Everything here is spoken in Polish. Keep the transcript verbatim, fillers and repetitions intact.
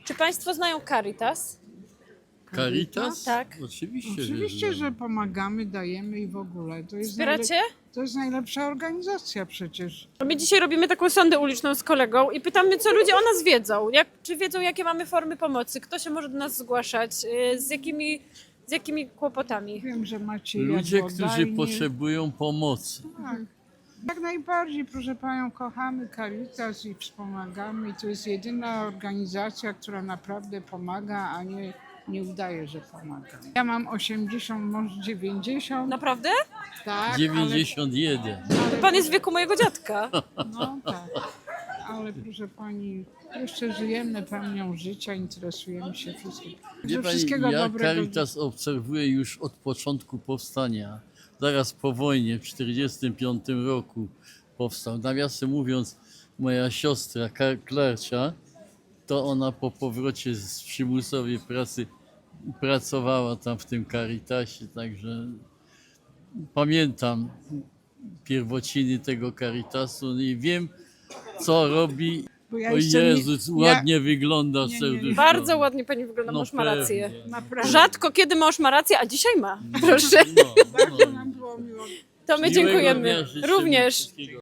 Czy Państwo znają Caritas? Caritas? Tak. Oczywiście, Oczywiście, że, że pomagamy, dajemy i w ogóle. To jest, Wspieracie? najlep- to jest najlepsza organizacja przecież. My dzisiaj robimy taką sondę uliczną z kolegą i pytamy, co ludzie o nas wiedzą. Jak, czy wiedzą, jakie mamy formy pomocy? Kto się może do nas zgłaszać? Yy, Z jakimi, z jakimi kłopotami? Wiem, że macie ludzie, którzy jadłodajnie. potrzebują pomocy. Tak. Jak najbardziej, proszę Panią, kochamy Caritas i wspomagamy. I to jest jedyna organizacja, która naprawdę pomaga, a nie, nie udaje, że pomaga. Ja mam osiemdziesiąt, może dziewięćdziesiąt. Naprawdę? Tak, dziewięćdziesiąt jeden. To pan jest w wieku mojego dziadka. Ale, no tak. Ale proszę Pani, jeszcze żyjemy pełnią życia, interesujemy się wszystkim. Wie Że pani, wszystkiego ja dobrego. Caritas obserwuję już od początku powstania. Zaraz po wojnie, w tysiąc dziewięćset czterdziestym piątym roku powstał. Nawiasem mówiąc, moja siostra Ka- Klarcia, to ona po powrocie z przymusowej pracy pracowała tam w tym Caritasie, także pamiętam pierwociny tego Caritasu i wiem, co robi. Bo ja O jeszcze nie- Jezus, ja- ładnie wygląda nie, nie. serduszko. Bardzo ładnie pani wygląda, No mąż ma rację. pewnie. Naprawdę. Rzadko kiedy mąż ma rację, a dzisiaj ma. Proszę. No, no. Bardzo nam było miło. To my Miłego dziękujemy. dnia życzę Również. wszystkiego.